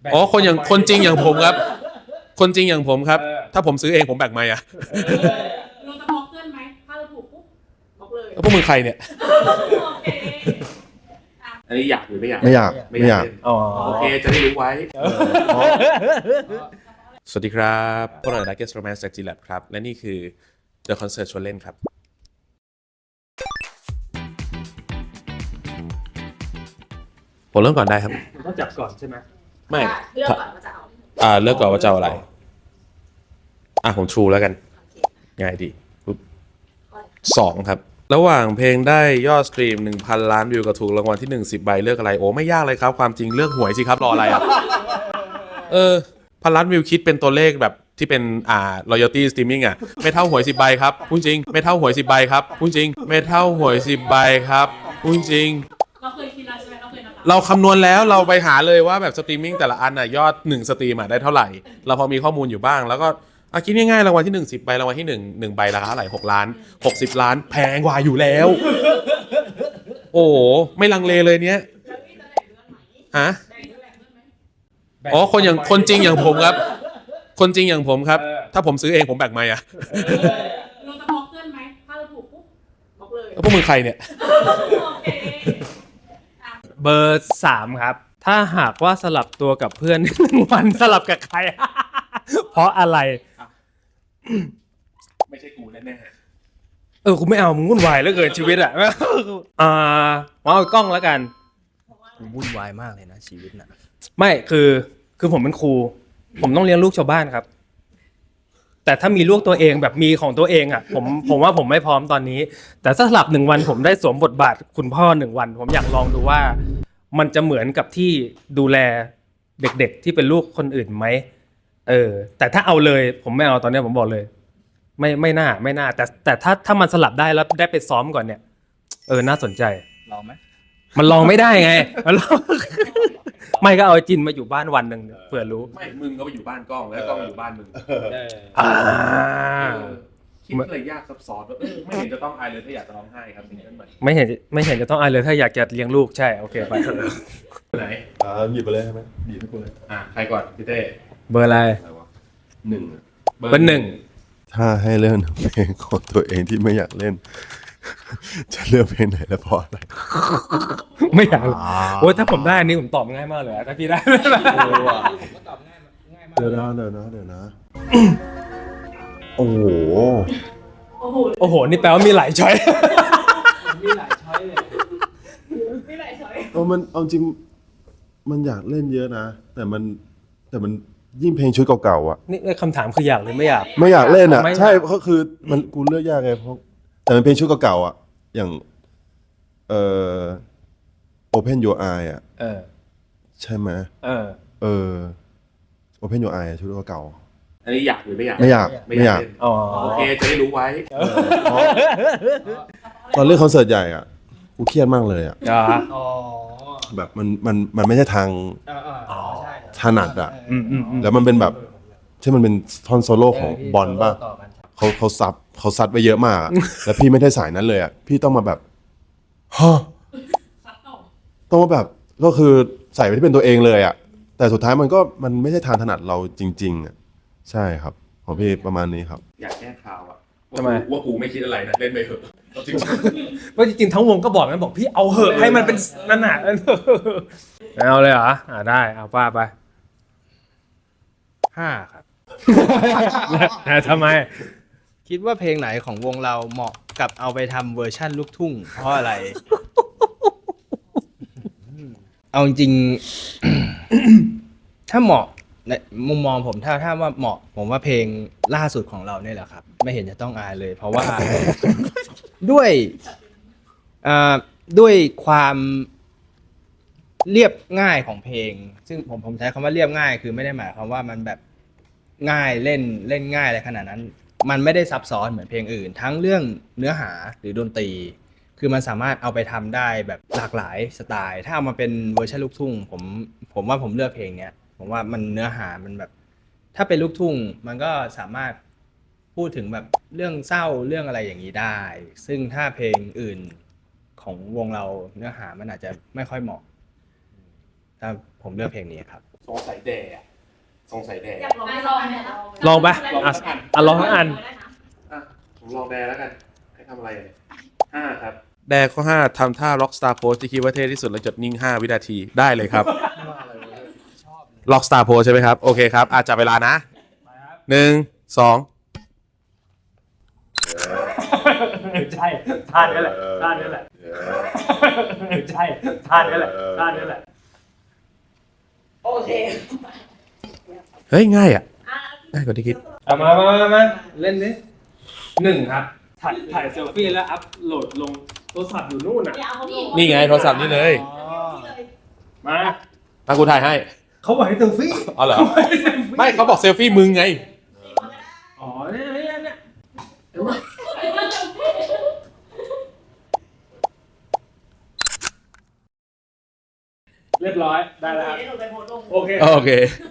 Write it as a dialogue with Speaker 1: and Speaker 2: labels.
Speaker 1: อ๋อคนจริงอย่างผมครับคนจริงอย่างผมครับถ้าผมซื้อเองผมแบ่งไหมอ่ะ
Speaker 2: เราจะบล็อกเพื่อนไหมถ้าเราถูกปุ๊บบล็อกเลย
Speaker 1: แล้วพวกมึงใครเนี่ย
Speaker 2: โอเค
Speaker 1: อันนี้อยากหรือไม่อยาก
Speaker 3: ไม่อยาก
Speaker 1: อ๋อโอเคจะได้รู้ไว้สวัสดีครับพวกเรา Darkest Romance จาก G-Lab ครับและนี่คือ The Concert ชวนเล่นครับผมเริ่มก่อนได้ครับ
Speaker 4: ต้องจับก่อนใช่ไหม
Speaker 1: ไม่
Speaker 2: เลือกก่อนว่าจะเอา
Speaker 1: เลือกก่อนว่าจะเอาอะไรผม True แล้วกันง่ายดี2ครับระหว่างเพลงได้ยอดสตรีม 1,000 ล้านวิวกับถูกรางวัลที่1 10 ใบเลือกอะไรโอ้ไม่ยากเลยครับความจริงเลือกหวยสิครับรออะไรอ่ะ1,000 ล้านวิวคิดเป็นตัวเลขแบบที่เป็นroyalty streaming อ่ะไม่เท่าหวย10 ใบครับพูดจริงไม่เท่าหวย10 ใบครับพูดจริงไม่เท่าหวย10 ใบครับพูดจริง
Speaker 2: เราเคยคิดแล้วใช่ไหมเราเคยนับ
Speaker 1: เราคำนวณแล้วเราไปหาเลยว่าแบบสตรีมมิ่งแต่ละอันยอด1สตรีมได้เท่าไหร่เราพอมีข้อมูลอยู่บ้างแล้วก็คิดง่ายๆรางวัลที่1 10 ใบรางวัลที่1ใบราคาเท่าไหร่6 ล้าน60 ล้านแพงกว่าอยู่แล้วโอ้โหไม่ลังเลเลยเนี้ยฮะอ๋อคนจริงอย่างผมครับคนจริงอย่างผมครับถ้าผมซื้อเองผมแบ่งไหมอ่ะ
Speaker 2: เราจะบล็อกเพื่อนไหมถ้าเราถูกปุ๊บบล็อกเลย
Speaker 1: แล้วพวกมึงใครเนี่ย
Speaker 2: โอเค
Speaker 4: เบอร์3ครับถ้าหากว่าสลับตัวกับเพื่อน1 วันสลับกับใคร เพราะอะไร
Speaker 1: ไม่ใช่กูแน่
Speaker 4: กูไม่เอามึงวุ่นวายเหลือเกินชีวิตอ่ะเอากล้องแล้วกัน
Speaker 3: วุ่นวายมากเลยนะชีวิตน่ะ
Speaker 4: ไม่คือผมเป็นครูผมต้องเลี้ยงลูกชาวบ้านครับแต่ถ้ามีลูกตัวเองแบบมีของตัวเองอ่ะผมว่าผมไม่พร้อมตอนนี้แต่ถ้าสลับ1 วันผมได้สวมบทบาทคุณพ่อ1 วันผมอยากลองดูว่ามันจะเหมือนกับที่ดูแลเด็กๆที่เป็นลูกคนอื่นไหมแต่ถ้าเอาเลยผมไม่เอาตอนนี้ผมบอกเลยไม่น่าแต่ถ้ามันสลับได้แล้วได้ไปซ้อมก่อนเนี่ยน่าสนใจ
Speaker 3: ลองไหม
Speaker 4: มันลองไม่ได้ไงมันลองไม่ก็เอาจินมาอยู่บ้านวันหนึ่งเผื่อรู้
Speaker 1: ไม่มึงก็ไปอยู่บ้านกล้องแล้วกล้องอยู่บ้านมึงคิดอะไรยากซับซ้อนไม่เห็นจะต้องอายเลยถ้าอยากจะร้องไห้ครับซิงเกิลใหม่
Speaker 4: ไม่เห็นจะต้องอายเลยถ้าอยากจะเลี้ยงลูกใช่โอเคไป
Speaker 1: ไหน
Speaker 3: หยิบไปเลยใช่ไหมหยิบให้กูเลย
Speaker 1: ใครก่อนพี่เต้
Speaker 4: เบอร์อะไร
Speaker 3: 1
Speaker 4: เบอร์ 1
Speaker 3: ถ้าให้เล่นเพลงของตัวเองที่ไม่อยากเล่นจะเลือกเพลงไหนและเพราะอะไร
Speaker 4: ไม่อยากโอ้ยถ้าผมได้อันนี้ผมตอบง่ายมากเลยถ้าพี่ได้
Speaker 3: ตอบง่ายมากเดี๋ยวนะโอ้โห
Speaker 4: โอ้โหนี่แปลว่ามีหลายช้อย
Speaker 2: มีหลายช้อยเลยมีหลายช้อย
Speaker 3: มันเอาจริงมันอยากเล่นเยอะนะแต่มันยิ่งเพลงชุดเก่าๆอ่ะ
Speaker 4: นี่คำถามคืออยากหรือไม่อยาก
Speaker 3: เล่นอ่ะใช่เพราะคือมันกูเลือกยากไงเพราะแต่มันเพลงชุดเก่าๆอ่ะอย่างOpen Your Eye อ่ะใช่ไหมOpen Your Eye ชุดเก่า
Speaker 1: อันนี้อยากหรือไม่อยาก
Speaker 3: ไม่อยาก
Speaker 1: โอเคจะได้รู้ไว้
Speaker 3: ตอนเล่นคอนเสิร์ตใหญ่อ่ะกูเครียดมากเลยอ่ะแบบมันไม่ใช่ทางถนัดอ่ะแล้วมันเป็นแบบที่มันเป็นท่อนโซโล่ของบอลป่ะเขาซัดไปเยอะมากแล้วพี่ไม่ได้สายนั้นเลยอ่ะพี่ต้องมาแบบต้องมาแบบก็คือใส่ไปที่เป็นตัวเองเลยอ่ะแต่สุดท้ายมันไม่ใช่ทางถนัดเราจริงๆอ่ะใช่ครับของพี่ประมาณนี้ครับ
Speaker 1: อยากแก้ข่าวอ่ะว่ากูไม่คิดอะไรนะเล่นไปเถอะจริง
Speaker 4: ว่าจริงๆทั้งวงก็บอกงั้นบอกพี่เอาเหอะให้มันเป็นนั่นน่ะเอาเลยเหรอได้เอาป้าไป
Speaker 3: 5ครับ
Speaker 4: ทำไม
Speaker 5: คิดว่าเพลงไหนของวงเราเหมาะกับเอาไปทำเวอร์ชั่นลูกทุ่งเพราะอะไร เอาจริงถ้าเหมาะในมุมมองผมถ้าว่าเหมาะผมว่าเพลงล่าสุดของเราเนี่ยแหละครับไม่เห็นจะต้องอายเลยเพราะว่า ด้วยความเรียบง่ายของเพลงซึ่งผมใช้คำว่าเรียบง่ายคือไม่ได้หมายความว่ามันแบบง่ายเล่นง่ายอะไรขนาดนั้นมันไม่ได้ซับซ้อนเหมือนเพลงอื่นทั้งเรื่องเนื้อหาหรือดนตรีคือมันสามารถเอาไปทำได้แบบหลากหลายสไตล์ถ้าเอามาเป็นเวอร์ชันลูกทุ่งผมว่าผมเลือกเพลงเนี้ยผมว่ามันเนื้อหามันแบบถ้าเป็นลูกทุ่งมันก็สามารถพูดถึงแบบเรื่องเศร้าเรื่องอะไรอย่างนี้ได้ซึ่งถ้าเพลงอื่นของวงเราเนื้อหามันอาจจะไม่ค่อยเหมาะถ้าผมเลือกเพลงนี้ครับ
Speaker 1: สงสัยแด่อะสงสัยแด่
Speaker 6: อยากลองไม่ลองเนี่ย
Speaker 4: ลองปะลองทั้งอัน
Speaker 1: อ่ะผมลองแดแล้วกัน ให้ทำอะไรเนี่ย5 ครับ แดข้อ 5ทำท่า Rockstar Pose ที่คิดว่าเท่ที่สุดแล้วจดนิ่ง 5 วินาทีได้เลยครับ Rockstar Pose ใช่ไหมครับ โอเคครับ จับเวลานะ 1 2
Speaker 4: ใช่ท่านี้แหละท่านี้แหละใช่ท่านี้แหละท่านี้แหละ
Speaker 6: โอเค
Speaker 1: เฮ้ย ง่ายอ่ะ ง่ายกว่าที่คิด
Speaker 4: มาเล่นดิ1 ครับ ถ่ายเซลฟี่แล้วอัพโหลดลงโทรศัพท์อยู่นู่นอ่ะ
Speaker 1: นี่ไงโทรศัพท์นี่เลย
Speaker 4: มา
Speaker 1: มากูถ่ายให้
Speaker 4: เขาบอกให้เซลฟี่
Speaker 1: อ๋อเหรอ ไม่เขาบอกเซลฟี่มึงไง
Speaker 4: อ๋อเนี่ยเรียบร้อยได้แล้วครับโอเค
Speaker 1: โอเค